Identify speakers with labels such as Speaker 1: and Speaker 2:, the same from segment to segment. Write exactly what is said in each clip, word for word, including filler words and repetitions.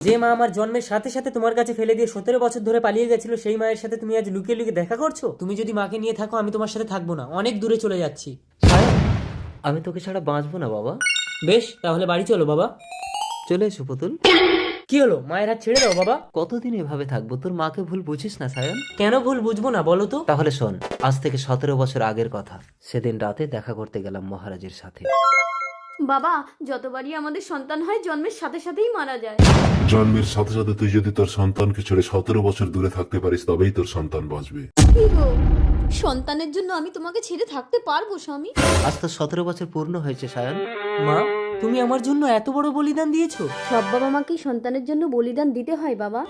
Speaker 1: যে মা আমার জন্মের সাথে সাথে তোমার কাছে ফেলে দিয়ে সতেরো বছর ধরে পালিয়ে গেছিল, সেই মায়ের সাথে তুমি আজ লুকিয়ে লুকিয়ে দেখা করছো। তুমি যদি মাকে নিয়ে থাকো, আমি তোমার সাথে থাকবো না, অনেক দূরে চলে যাচ্ছি।
Speaker 2: আমি তোকে ছাড়া বাঁচবো না বাবা।
Speaker 1: বেশ, তাহলে বাড়ি চলো বাবা।
Speaker 2: চলে এসো পুতুল।
Speaker 1: কি হলো, মায়ের হাত ছেড়ে দাও বাবা।
Speaker 2: কতদিন এভাবে থাকবো? তোর মাকে ভুল বুঝিস না সায়ন।
Speaker 1: কেন ভুল বুঝবো না বলো তো?
Speaker 2: তাহলে শোন, আজ থেকে সতেরো বছর আগের কথা। সেদিন রাতে দেখা করতে গেলাম মহারাজের সাথে।
Speaker 3: বাবা, যতবারই আমাদের সন্তান হয় জন্মের সাথে সাথেই মারা যায়।
Speaker 4: জন্মের সাথে সাথে তুই যদি তোর সন্তানকে ছেড়ে সতেরো বছর দূরে থাকতে পারিস, তবেই তোর সন্তান বাঁচবে।
Speaker 3: কি গো, সন্তানের জন্য আমি তোমাকে ছেড়ে থাকতে পারবো স্বামী?
Speaker 2: আজ তো সতেরো বছর পূর্ণ হয়েছে সায়ন।
Speaker 1: মা, তুমি আমার জন্য এত বড় বলিদান দিয়েছো।
Speaker 3: সব বাবা মাকেই সন্তানের জন্য বলিদান দিতে হয় বাবা।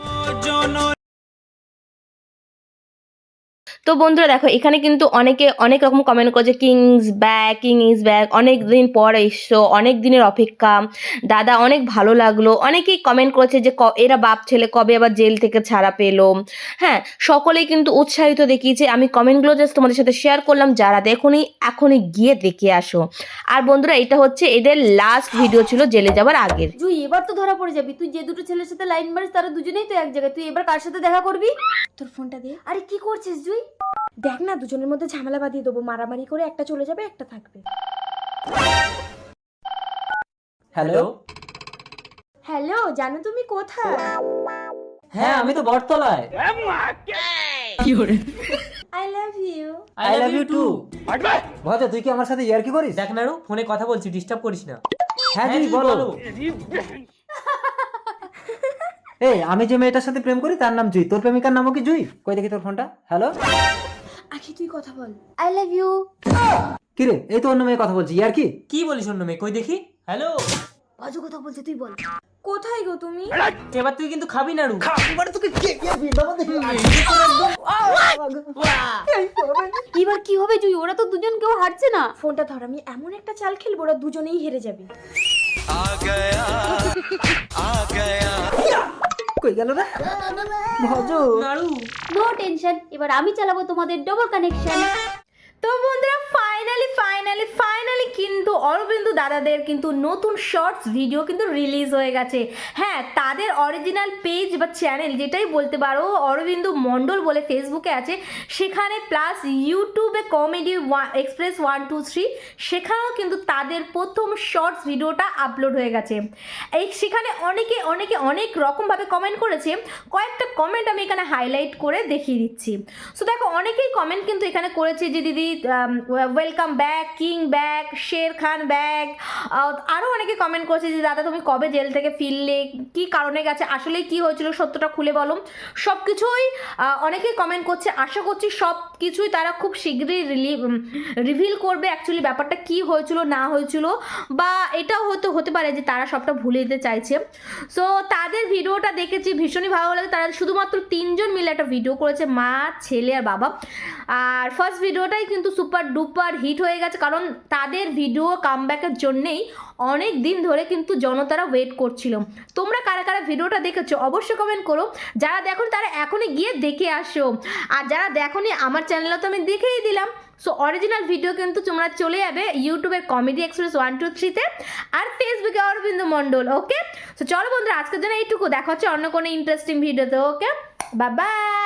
Speaker 5: তো বন্ধুরা দেখো, এখানে কিন্তু অনেকে অনেক রকম কমেন্ট করছে, kings back, king is back, অনেক দিন পর এসছো, অনেক দিনের অপেক্ষা, দাদা অনেক ভালো লাগলো। অনেকেই কমেন্ট করেছে যে এরা বাপ ছেলে কবে আবার জেল থেকে ছাড়া পেলো। হ্যাঁ, সকলেই কিন্তু উৎসাহিত দেখিয়েছে। আমি কমেন্টগুলো জাস্ট তোমাদের সাথে শেয়ার করলাম, যারা দেখোনি এখনই গিয়ে দেখে আসো। আর বন্ধুরা, এটা হচ্ছে এদের লাস্ট ভিডিও ছিল জেলে যাওয়ার আগের।
Speaker 3: জুই, এবার তো ধরা পড়ে যাবি। তুই যে দুটো ছেলের সাথে লাইন মারিস তারা দুজনেই তো এক জায়গায়। তুই এবার কার সাথে দেখা করবি? তোর ফোনটা দে। আরে কি করছিস জুই? দেখ না, দুজনের মধ্যে ঝামেলা বাঁধিয়ে দেবো, মারামারি করে একটা চলে যাবে, একটা থাকবে।
Speaker 1: হ্যালো।
Speaker 3: হ্যালো, জানো তুমি কোথায়?
Speaker 1: হ্যাঁ, আমি তো বটতলায়।
Speaker 3: I love you.
Speaker 1: I love you too.
Speaker 2: Bhaja, তুই কি আমার সাথে ইয়ার্কি করিস?
Speaker 1: দেখ নাড়ু, ফোনে কথা বলছি, ডিস্টার্ব করিস না।
Speaker 2: হ্যাঁ জি বলো। এই, আমি যে মেয়েটার সাথে প্রেম করি তার নাম জুই। তোর প্রেমিকার নামও কি জুই? কই দেখি তোর ফোনটা। হ্যালো।
Speaker 3: আখি, তুই কথা বল। I love you.
Speaker 2: কি রে, এই তো অন্য মেয়ে কথা বলছি। ইয়ার্কি?
Speaker 1: কি বলিস অন্য মেয়ে? কই দেখি। হ্যালো।
Speaker 3: বাজু কথা বলছে, তুই বল। কোথায় গো তুমি?
Speaker 1: এবার তুই কিন্তু খাবি নাড়ু।
Speaker 3: এবার কি হবে জুই? ওরা তো দুজন কেউ হারছে না। ফোনটা ধর, আমি এমন একটা চাল খেলবো ওরা দুজনেই হেরে যাবে।
Speaker 2: কই গেল রে ভজ?
Speaker 1: নাড়ু।
Speaker 3: নো টেনশন, এবার আমি চালাবো তোমাদের ডবল কানেকশন।
Speaker 5: তো বন্ধুরা, ফাইনালি ফাইনালি ফাইনালি কিন্তু অরবিন্দু দাদাদের কিন্তু নতুন শর্টস ভিডিও কিন্তু রিলিজ হয়ে গেছে। হ্যাঁ, তাদের অরিজিনাল পেজ বা চ্যানেল যেটাই বলতে পারো, অরবিন্দু মণ্ডল বলে ফেসবুকে আছে, সেখানে প্লাস ইউটিউবে comedy express one two three, সেখানেও কিন্তু তাদের প্রথম শর্টস ভিডিওটা আপলোড হয়ে গেছে। এই সেখানে অনেকে অনেকে অনেক রকমভাবে কমেন্ট করেছে। কয়েকটা কমেন্ট আমি এখানে হাইলাইট করে দেখিয়ে দিচ্ছি। সো দেখো, অনেকেই কমেন্ট কিন্তু এখানে করেছে যে দিদি welcome back, king back, Sher Khan back. আরও অনেকে কমেন্ট করেছে যে দাদা তুমি কবে জেল থেকে ফিরলে, কি কারণে গেছে, আসলে কি হয়েছিল সত্যটা খুলে বলো। সব কিছুই অনেকেই কমেন্ট করছে। আশা করছি সব কিছুই তারা খুব শীঘ্রই রিভিল করবে, অ্যাকচুয়ালি ব্যাপারটা কি হয়েছিল না হয়েছিল, বা এটাও হয়তো হতে পারে যে তারা সবটা ভুলে দিতে চাইছে। সো তাদের ভিডিওটা দেখেছি, ভীষণই ভালো লাগে। তারা শুধুমাত্র তিনজন মিলে একটা ভিডিও করেছে, মা, ছেলে আর বাবা। আর ফার্স্ট ভিডিওটাই কিন্তু সুপার ডুপার হিট হয়ে গেছে, কারণ তাদের ভিডিও কামব্যাকের জন্যেই অনেক দিন ধরে কিন্তু জনতারা ওয়েট করছিল। তোমরা কারা কারা ভিডিওটা দেখেছো অবশ্যই কমেন্ট করো। যারা দেখো তারা এখনই গিয়ে দেখে আসো, আর যারা দেখোনি আমার চ্যানেলে তো আমি দেখেই দিলাম। সো অরিজিনাল ভিডিও কিন্তু তোমরা চলে যাবে ইউটিউবের কমেডি এক্সপ্রেস ওয়ান টু থ্রিতে, আর ফেসবুকে অরবিন্দু মণ্ডল। ওকে, সো চলো বন্ধুরা, আজকের জন্য এইটুকু। দেখা হচ্ছে অন্য কোনো ইন্টারেস্টিং ভিডিওতে। Okay, bye by.